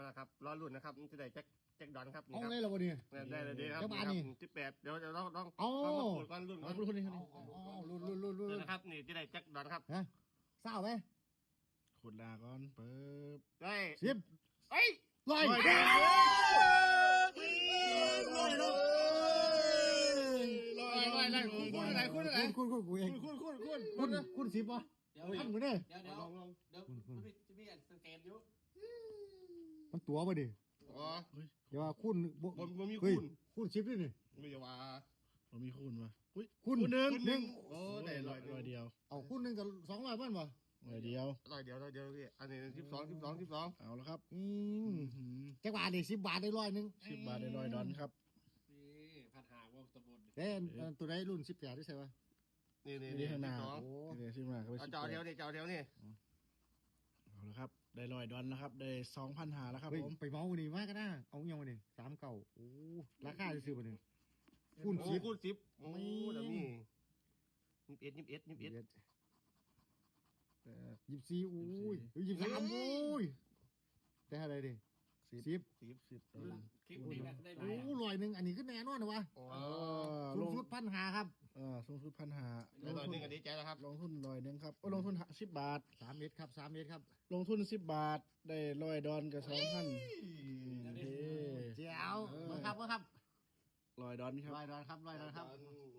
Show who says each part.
Speaker 1: มาแล้วครับรอรุ่นนะครับจะได้แจ็คดอนครับ
Speaker 2: เอาไงล่ะวะเนี่ย
Speaker 1: ได้เลยดีครับ18เดี๋ยวจะต้อง
Speaker 2: เอา
Speaker 1: รุ่นก่อนรุ่นก่อน
Speaker 2: รุ่นรุ่น
Speaker 1: นะครับนี่จะได้แจ็คดอนครับ
Speaker 2: ฮะเศร้าไหม
Speaker 3: ขุดดาก่อนเปิบ
Speaker 1: ได้
Speaker 2: 10
Speaker 1: เอ้ย
Speaker 2: ลอย
Speaker 1: คุณอะไรคุณอะไร
Speaker 2: คุณกูเอง คุณ10ป่ะ
Speaker 4: เดี๋ยว
Speaker 2: ทำกันเด้
Speaker 4: เดี๋ยวจะมีสังเกตอยู่
Speaker 2: มันตัวป่ะดิ
Speaker 1: อ๋อ
Speaker 2: เดี๋ยวคุณ
Speaker 1: ผมมี
Speaker 2: เฮ้ย
Speaker 1: คุณ
Speaker 2: คุณ10ด้วยนี่
Speaker 1: ไม่จะว่า
Speaker 3: ผมมีคูณวะอุ้ย
Speaker 2: คุณ
Speaker 1: หนึ่ง
Speaker 3: โอ้
Speaker 1: โอ้ได้
Speaker 3: ได้
Speaker 1: ร้อย
Speaker 3: ร้อยเดียว
Speaker 2: เอาคุณนึงกับ200บ้านป่ะ
Speaker 3: ร้อยเดียว
Speaker 1: ร้อยเดียวพี่อันนี้12
Speaker 3: เอาแล้วครับ
Speaker 2: จักบาทดิ10 บาทได้100นึง
Speaker 3: 10 บาทได้$100ครับ
Speaker 4: นี่พัดหาวงตะบน
Speaker 2: เอ้ตัวไหนรุ่น18ที่ใช่ป่ะ
Speaker 1: นี่
Speaker 3: นี่ข้างหน้า
Speaker 2: โอ้
Speaker 3: นี่ชิมมาครับ
Speaker 1: เอาเจ้าเดียวนี่
Speaker 3: เอาแล้วครับได้$100นะครับได้2,500แล้วครับ
Speaker 2: เฮ้ย
Speaker 3: ผม
Speaker 2: ไปเมาวันนี้มากก็ได้เอาเงี้ยวันนี้3เก่าโอ้ราคาจะซื้อวันนี้คุณ
Speaker 1: โอ้
Speaker 2: 10
Speaker 1: คุณ10โอ้เดี๋ยวนี้21
Speaker 2: 24โอ้ย23โอ้ยแต่อะไรดิ10
Speaker 3: 10
Speaker 4: คลิปนี้แบบได้ไหม
Speaker 2: โอ้100นึงอันนี้ก็แน่นอนนะวะ
Speaker 1: โอ้
Speaker 2: สูงสุด1,500ครับ
Speaker 3: สูงสุด1,500
Speaker 1: แล้วตอนนี้ก็ดีใจแล้วครับ
Speaker 3: ลงทุน$100ครับลงทุน10 บาท
Speaker 2: 3 เมตรครับ3 เมตรครับ
Speaker 3: ลงทุน10 บาทได้$100กับ2,000
Speaker 2: เจ้ามาครับ
Speaker 3: $100ครับ
Speaker 2: 100 ดอนครับ100 ดอนครับ